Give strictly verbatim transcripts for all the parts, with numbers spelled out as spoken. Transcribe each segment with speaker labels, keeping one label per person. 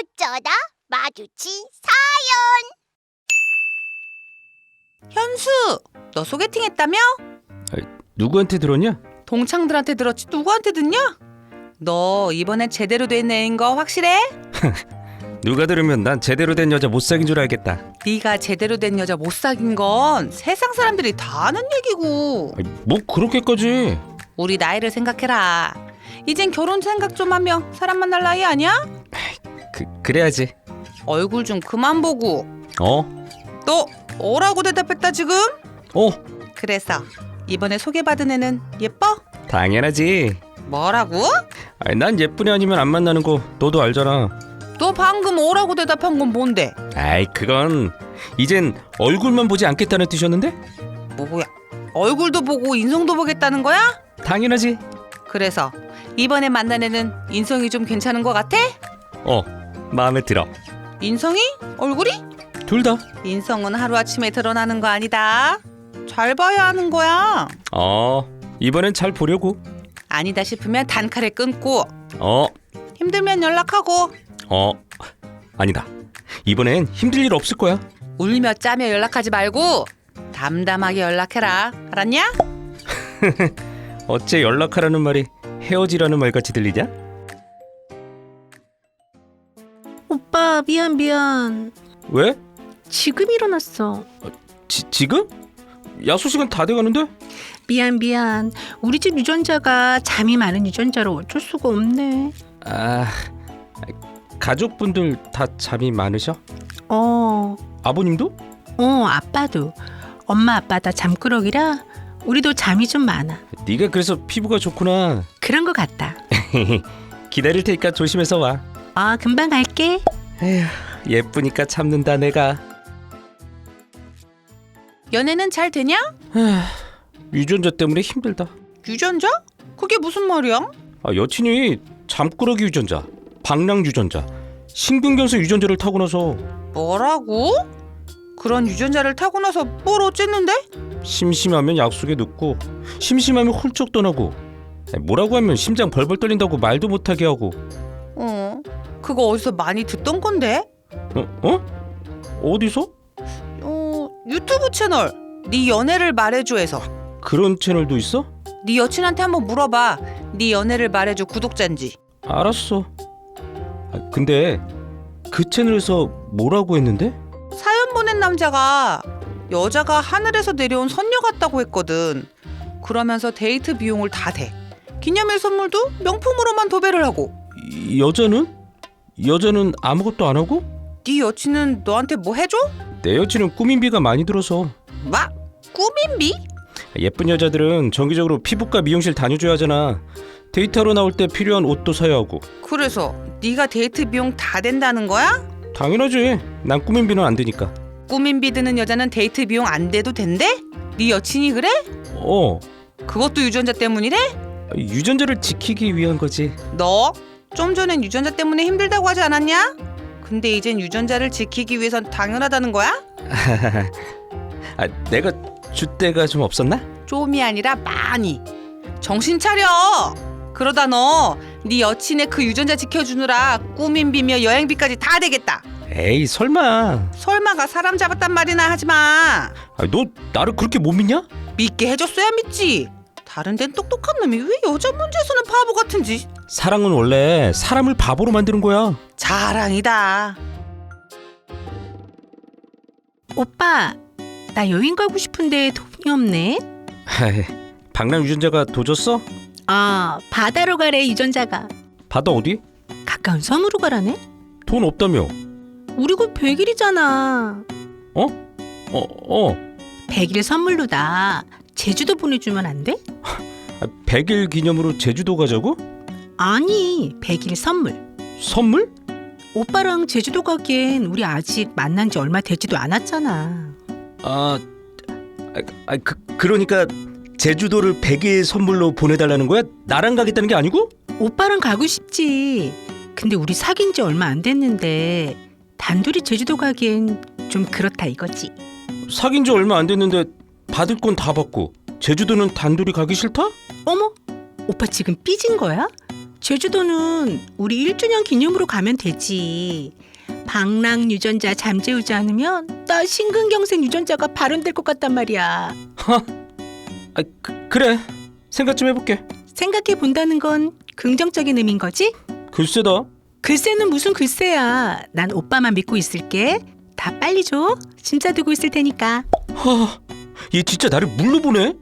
Speaker 1: 어쩌다 마주친 사연.
Speaker 2: 현수, 너 소개팅 했다며?
Speaker 3: 누구한테 들었냐?
Speaker 2: 동창들한테 들었지 누구한테 듣냐? 너 이번엔 제대로 된 애인 거 확실해?
Speaker 3: 누가 들으면 난 제대로 된 여자 못 사귄 줄 알겠다.
Speaker 2: 네가 제대로 된 여자 못 사귄 건 세상 사람들이 다 아는 얘기고.
Speaker 3: 아니, 뭐 그렇게까지.
Speaker 2: 우리 나이를 생각해라. 이젠 결혼 생각 좀 하며 사람 만날 나이 아니야?
Speaker 3: 그, 그래야지.
Speaker 2: 얼굴 좀 그만 보고.
Speaker 3: 어?
Speaker 2: 너 뭐라고 대답했다 지금?
Speaker 3: 어?
Speaker 2: 그래서 이번에 소개받은 애는 예뻐?
Speaker 3: 당연하지.
Speaker 2: 뭐라고?
Speaker 3: 아니, 난 예쁜이 아니면 안 만나는 거 너도 알잖아.
Speaker 2: 너 방금 뭐라고 대답한 건 뭔데?
Speaker 3: 아이, 그건 이젠 얼굴만 보지 않겠다는 뜻이었는데?
Speaker 2: 뭐야? 얼굴도 보고 인성도 보겠다는 거야?
Speaker 3: 당연하지.
Speaker 2: 그래서 이번에 만난 애는 인성이 좀 괜찮은 것 같아?
Speaker 3: 어, 마음에 들어.
Speaker 2: 인성이? 얼굴이?
Speaker 3: 둘 다.
Speaker 2: 인성은 하루아침에 드러나는 거 아니다. 잘 봐야 하는 거야.
Speaker 3: 어, 이번엔 잘 보려고.
Speaker 2: 아니다 싶으면 단칼에 끊고,
Speaker 3: 어,
Speaker 2: 힘들면 연락하고,
Speaker 3: 어, 아니다. 이번엔 힘들 일 없을 거야.
Speaker 2: 울며 짜며 연락하지 말고 담담하게 연락해라. 알았냐?
Speaker 3: 어째 연락하라는 말이 헤어지라는 말 같이 들리냐?
Speaker 4: 오빠 미안 미안.
Speaker 3: 왜?
Speaker 4: 지금 일어났어.
Speaker 3: 지, 지금? 야수 시간 다 돼가는데?
Speaker 4: 미안 미안. 우리 집 유전자가 잠이 많은 유전자로 어쩔 수가 없네.
Speaker 3: 아, 가족분들 다 잠이 많으셔?
Speaker 4: 어,
Speaker 3: 아버님도?
Speaker 4: 어 아빠도. 엄마 아빠 다 잠꾸러기라 우리도 잠이 좀 많아.
Speaker 3: 네가 그래서 피부가 좋구나.
Speaker 4: 그런 것 같다.
Speaker 3: 기다릴 테니까 조심해서 와.
Speaker 4: 아 금방 갈게.
Speaker 3: 에휴, 예쁘니까 참는다 내가.
Speaker 2: 연애는 잘 되냐?
Speaker 3: 유전자 때문에 힘들다.
Speaker 2: 유전자? 그게 무슨 말이야?
Speaker 3: 아, 여친이 잠꾸러기 유전자, 방랑 유전자, 심근경색 유전자를 타고나서
Speaker 2: 뭐라고? 그런 유전자를 타고 나서 뭘 어쨌는데?
Speaker 3: 심심하면 약속에 늦고 심심하면 훌쩍 떠나고 뭐라고 하면 심장 벌벌 떨린다고 말도 못하게 하고.
Speaker 2: 어, 그거 어디서 많이 듣던 건데?
Speaker 3: 어? 어? 어디서?
Speaker 2: 어, 유튜브 채널 네 연애를 말해줘에서.
Speaker 3: 그런 채널도 있어?
Speaker 2: 네 여친한테 한번 물어봐. 네 연애를 말해줘 구독자인지.
Speaker 3: 알았어. 아, 근데 그 채널에서 뭐라고 했는데?
Speaker 2: 사연 보낸 남자가 여자가 하늘에서 내려온 선녀 같다고 했거든. 그러면서 데이트 비용을 다 대. 기념일 선물도 명품으로만 도배를 하고.
Speaker 3: 이 여자는? 여자는 아무것도 안 하고?
Speaker 2: 네 여친은 너한테 뭐 해줘?
Speaker 3: 내 여친은 꾸민비가 많이 들어서.
Speaker 2: 뭐? 꾸민비?
Speaker 3: 예쁜 여자들은 정기적으로 피부과 미용실 다녀줘야 하잖아. 데이트하러 나올 때 필요한 옷도 사야 하고.
Speaker 2: 그래서 네가 데이트 비용 다 된다는 거야?
Speaker 3: 당연하지. 난 꾸민비는 안 되니까.
Speaker 2: 꾸민비 드는 여자는 데이트 비용 안 돼도 된대? 네 여친이 그래?
Speaker 3: 어,
Speaker 2: 그것도 유전자 때문이래?
Speaker 3: 유전자를 지키기 위한 거지.
Speaker 2: 너 좀 전엔 유전자 때문에 힘들다고 하지 않았냐? 근데 이젠 유전자를 지키기 위해선 당연하다는 거야?
Speaker 3: 아, 내가 줏대가 좀 없었나?
Speaker 2: 좀이 아니라 많이. 정신 차려. 그러다 너 네 여친의 그 유전자 지켜주느라 꾸민비며 여행비까지 다 되겠다.
Speaker 3: 에이, 설마.
Speaker 2: 설마가 사람 잡았단 말이나 하지마.
Speaker 3: 아, 너 나를 그렇게 못 믿냐?
Speaker 2: 믿게 해줬어야 믿지. 다른 데는 똑똑한 놈이 왜 여자 문제에서는 바보 같은지.
Speaker 3: 사랑은 원래 사람을 바보로 만드는 거야.
Speaker 2: 자랑이다.
Speaker 4: 오빠 나 여행 가고 싶은데 돈이 없네.
Speaker 3: 하이, 방랑 유전자가 도졌어?
Speaker 4: 아 바다로 가래 유전자가.
Speaker 3: 바다 어디?
Speaker 4: 가까운 섬으로 가라네.
Speaker 3: 돈 없다며.
Speaker 4: 우리 곧 백 일이잖아.
Speaker 3: 어? 어, 어.
Speaker 4: 백 일 선물로다. 제주도 보내주면 안 돼?
Speaker 3: 아, 백 일 기념으로 제주도 가자고?
Speaker 4: 아니 백 일 선물.
Speaker 3: 선물?
Speaker 4: 오빠랑 제주도 가기엔 우리 아직 만난 지 얼마 되지도 않았잖아.
Speaker 3: 아, 아, 아 그, 그러니까 제주도를 백 일 선물로 보내달라는 거야? 나랑 가겠다는 게 아니고?
Speaker 4: 오빠랑 가고 싶지. 근데 우리 사귄 지 얼마 안 됐는데 단둘이 제주도 가기엔 좀 그렇다 이거지.
Speaker 3: 사귄 지 얼마 안 됐는데 받을 건 다 받고 제주도는 단둘이 가기 싫다?
Speaker 4: 어머, 오빠 지금 삐진 거야? 제주도는 우리 일 주년 기념으로 가면 되지. 방랑 유전자 잠재우지 않으면 나 심근경색 유전자가 발현될 것 같단 말이야.
Speaker 3: 아, 그, 그래. 생각 좀 해볼게.
Speaker 4: 생각해 본다는 건 긍정적인 의미인 거지?
Speaker 3: 글쎄다.
Speaker 4: 글쎄는 무슨 글쎄야. 난 오빠만 믿고 있을게. 다 빨리 줘. 진짜 두고 있을 테니까.
Speaker 3: 하, 얘 진짜 나를 물로 보네.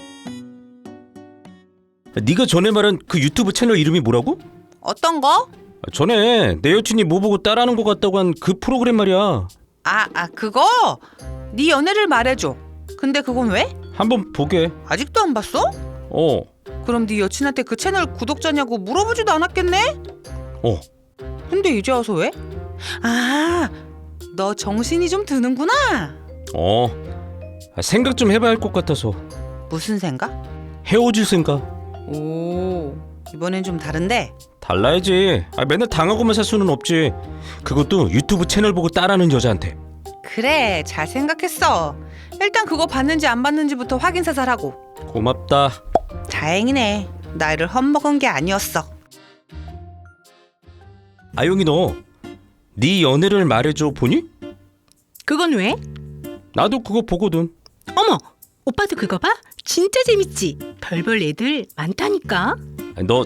Speaker 3: 네가 전에 말한 그 유튜브 채널 이름이 뭐라고?
Speaker 2: 어떤 거?
Speaker 3: 전에 내 여친이 뭐 보고 따라하는 것 같다고 한 그 프로그램 말이야.
Speaker 2: 아, 아 그거? 네 연애를 말해줘. 근데 그건 왜?
Speaker 3: 한번 보게.
Speaker 2: 아직도 안 봤어?
Speaker 3: 어.
Speaker 2: 그럼 네 여친한테 그 채널 구독자냐고 물어보지도 않았겠네?
Speaker 3: 어.
Speaker 2: 근데 이제 와서 왜? 아, 너 정신이 좀 드는구나.
Speaker 3: 어. 아, 생각 좀 해봐야 할 것 같아서.
Speaker 2: 무슨 생각?
Speaker 3: 헤어질 생각.
Speaker 2: 오, 이번엔 좀 다른데?
Speaker 3: 달라야지. 아, 맨날 당하고만 살 수는 없지. 그것도 유튜브 채널 보고 따라하는 여자한테.
Speaker 2: 그래, 잘 생각했어. 일단 그거 봤는지 안 봤는지부터 확인 사살하고.
Speaker 3: 고맙다.
Speaker 2: 다행이네. 나를 헛먹은 게 아니었어.
Speaker 3: 아용이 너 네 연애를 말해줘 보니?
Speaker 4: 그건 왜?
Speaker 3: 나도 그거 보거든.
Speaker 4: 어머, 오빠도 그거 봐? 진짜 재밌지? 별별 애들 많다니까.
Speaker 3: 아, 너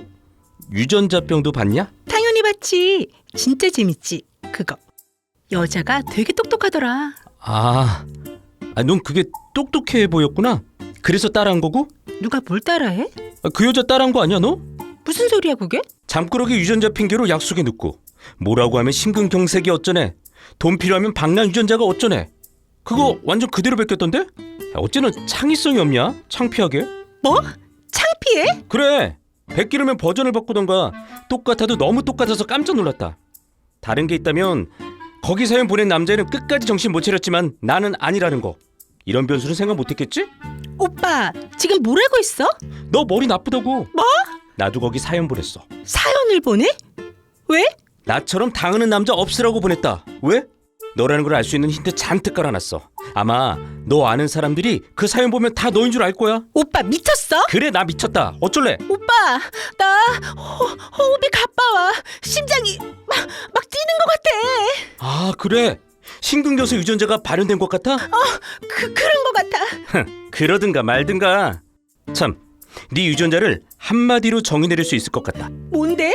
Speaker 3: 유전자병도 봤냐?
Speaker 4: 당연히 봤지. 진짜 재밌지? 그거. 여자가 되게 똑똑하더라.
Speaker 3: 아, 아, 넌 그게 똑똑해 보였구나. 그래서 따라한 거고?
Speaker 4: 누가 뭘 따라해?
Speaker 3: 아, 그 여자 따라한 거 아니야 너?
Speaker 4: 무슨 소리야 그게?
Speaker 3: 잠꾸러기 유전자 핑계로 약속에 눕고 뭐라고 하면 심근경색이 어쩌네. 돈 필요하면 방랑 유전자가 어쩌네. 그거 완전 그대로 베꼈던데? 야, 어째는 창의성이 없냐? 창피하게.
Speaker 4: 뭐? 창피해?
Speaker 3: 그래. 베끼려면 버전을 바꾸던가. 똑같아도 너무 똑같아서 깜짝 놀랐다. 다른 게 있다면 거기 사연 보낸 남자애는 끝까지 정신 못 차렸지만 나는 아니라는 거. 이런 변수는 생각 못했겠지?
Speaker 4: 오빠 지금 뭐라고 했어?
Speaker 3: 너 머리 나쁘다고.
Speaker 4: 뭐?
Speaker 3: 나도 거기 사연 보냈어.
Speaker 4: 사연을 보내? 왜?
Speaker 3: 나처럼 당하는 남자 없으라고 보냈다. 왜? 너라는 걸 알 수 있는 힌트 잔뜩 깔아놨어. 아마 너 아는 사람들이 그 사연 보면 다 너인 줄 알 거야.
Speaker 4: 오빠 미쳤어?
Speaker 3: 그래, 나 미쳤다. 어쩔래?
Speaker 4: 오빠 나 호, 호흡이 가빠와. 심장이 막, 막 뛰는 것 같아.
Speaker 3: 아, 그래? 심근경색 유전자가 발현된 것 같아?
Speaker 4: 그, 그런 것 같아.
Speaker 3: 그러든가 말든가. 참, 네 유전자를 한마디로 정의내릴 수 있을 것 같다.
Speaker 4: 뭔데?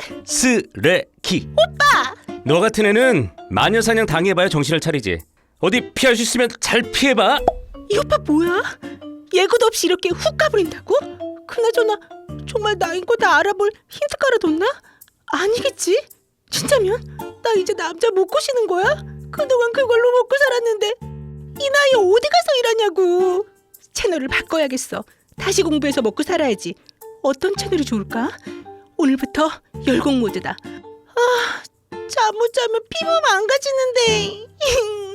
Speaker 3: 쓰레기. 오빠! 너 같은 애는 마녀사냥 당해봐야 정신을 차리지. 어디 피할 수 있으면 잘 피해봐.
Speaker 4: 이 오빠 뭐야? 예고도 없이 이렇게 훅 가버린다고? 그나저나 정말 나인 거 다 알아볼 힌트 깔아뒀나? 아니겠지? 진짜면 나 이제 남자 못 꼬시는 거야? 그동안 그걸로 먹고 살았는데 이 나이에 어디 가서 일하냐고. 채널을 바꿔야겠어. 다시 공부해서 먹고 살아야지. 어떤 채널이 좋을까? 오늘부터 열공 모드다. 아, 잠 못 자면 피부 망가지는데.